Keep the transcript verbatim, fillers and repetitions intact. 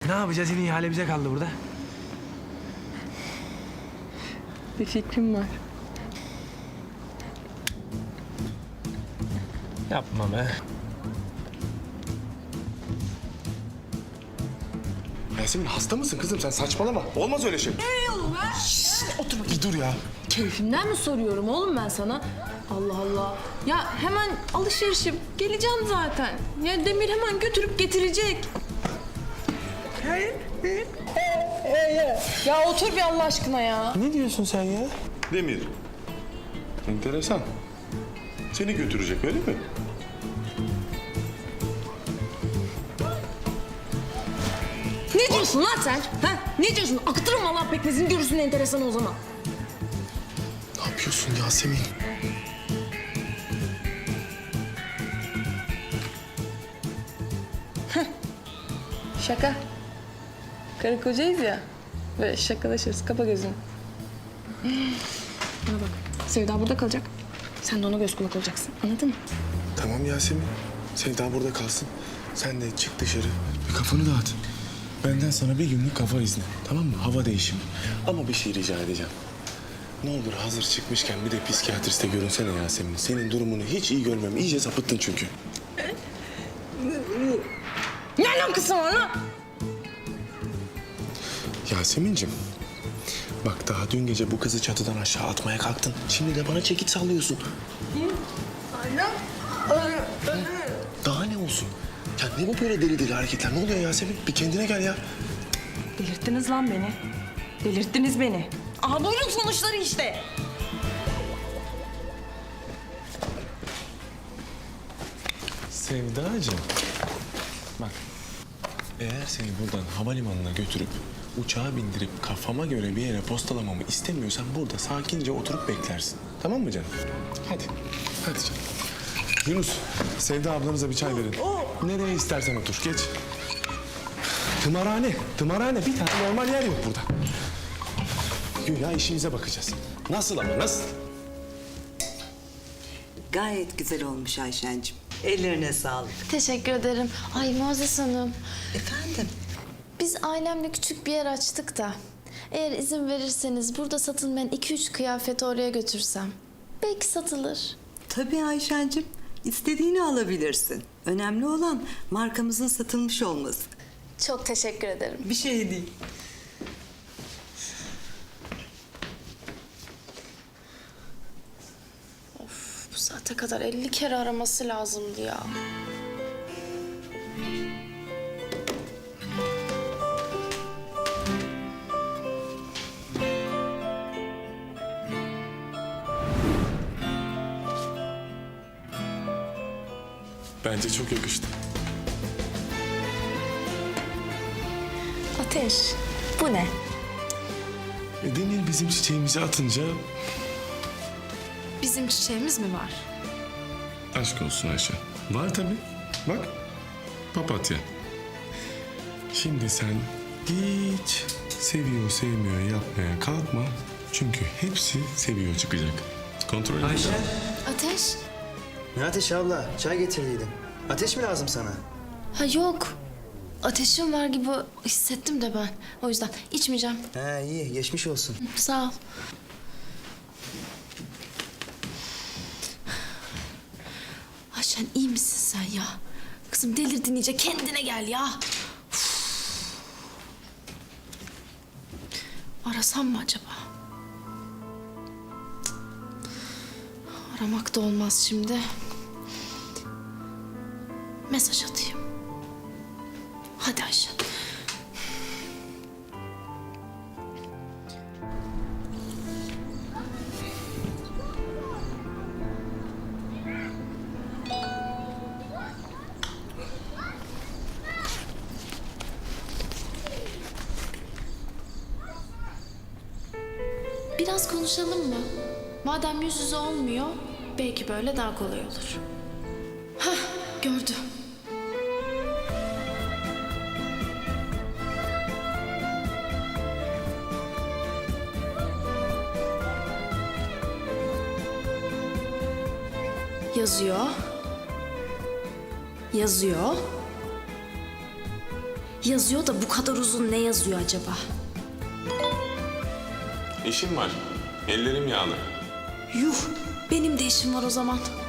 Ne yapacağız? Yine ihale bize kaldı burada. Bir fikrim var. Yapma be. Yasemin hasta mısın kızım sen saçmalama. Olmaz öyle şey. Ne oğlum ha? Otur bakayım. Bir dur ya. Keyfimden mi soruyorum oğlum ben sana? Allah Allah. Ya hemen alışverişim. Geleceğim zaten. Ya Demir hemen götürüp getirecek. Ya otur bir Allah aşkına ya. Ne diyorsun sen ya? Demir. Enteresan. Seni götürecek öyle mi? Ne diyorsun lan sen? Ha? Ne diyorsun? Akıtırım vallahi pekmezini görürsün enteresan o zaman. Ne yapıyorsun Yasemin? Şaka. Karı kocayız ya. Böyle şakalaşırız. Kapa gözünü. Bana bak. Sevda burada kalacak. Sen de ona göz kulak olacaksın. Anladın mı? Tamam Yasemin. Sevda burada kalsın. Sen de çık dışarı. Bir kafanı dağıt. Benden sana bir günlük kafa izni. Tamam mı? Hava değişimi. Ama bir şey rica edeceğim. Ne olur hazır çıkmışken bir de psikiyatriste görünsene Yasemin. Senin durumunu hiç iyi görmem. İyice sapıttın çünkü. Ne alakası var lan? Yasemin'cim. Bak daha dün gece bu kızı çatıdan aşağı atmaya kalktın. Şimdi de bana çekiç sallıyorsun. Daha ne olsun? Ya ne bu böyle deli deli hareketler? Ne oluyor Yasemin? Bir kendine gel ya. Delirttiniz lan beni. Delirttiniz beni. Aha buyurun sonuçları işte. Sevdacığım. Bak. Eğer seni buradan havalimanına götürüp uçağa bindirip kafama göre bir yere postalamamı istemiyorsan burada sakince oturup beklersin. Tamam mı canım? Hadi. Hadi canım. Yunus, Sevda ablanıza bir çay verin. Nereye istersen otur. Geç. Tımarhane. Tımarhane. Bir tane normal yer yok burada. Güya işimize bakacağız. Nasıl ama nasıl? Gayet güzel olmuş Ayşen'cim. Ellerine sağlık. Teşekkür ederim. Ay Muazzez Hanım, Efendim? biz ailemle küçük bir yer açtık da... ...eğer izin verirseniz burada satılmayan iki üç kıyafeti oraya götürsem... ...belki satılır. Tabii Ayşen'cim. İstediğini alabilirsin. Önemli olan markamızın satılmış olması. Çok teşekkür ederim. Bir şey değil. Bu saate kadar elli kere araması lazımdı ya. Bence çok yakıştı. Ateş, bu ne? E, Demir bizim çiçeğimizi atınca Bizim çiçeğimiz mi var? aşk olsun Ayşe. Var tabii. Bak. Papatya. Şimdi sen hiç seviyor sevmiyor yapmaya kalkma. Çünkü hepsi seviyor çıkacak. Kontrol edin. Ayşe. Ateş? Ne ateş abla? Çay getirdiydin. Ateş mi lazım sana? Ha yok. Ateşim var gibi hissettim de ben. O yüzden içmeyeceğim. Ha iyi, geçmiş olsun. Sağ ol. Ayşen iyi misin sen ya? Kızım delirdin iyice, kendine gel ya. Uf. Arasam mı acaba? Cık. Aramak da olmaz şimdi. Mesaj atayım. Hadi Ayşen. Biraz konuşalım mı? Madem yüz yüze olmuyor, belki böyle daha kolay olur. Hah, gördü. Yazıyor. Yazıyor. Yazıyor da bu kadar uzun ne yazıyor acaba? İşim var. Ellerim yağlı. Yuh, benim de işim var o zaman.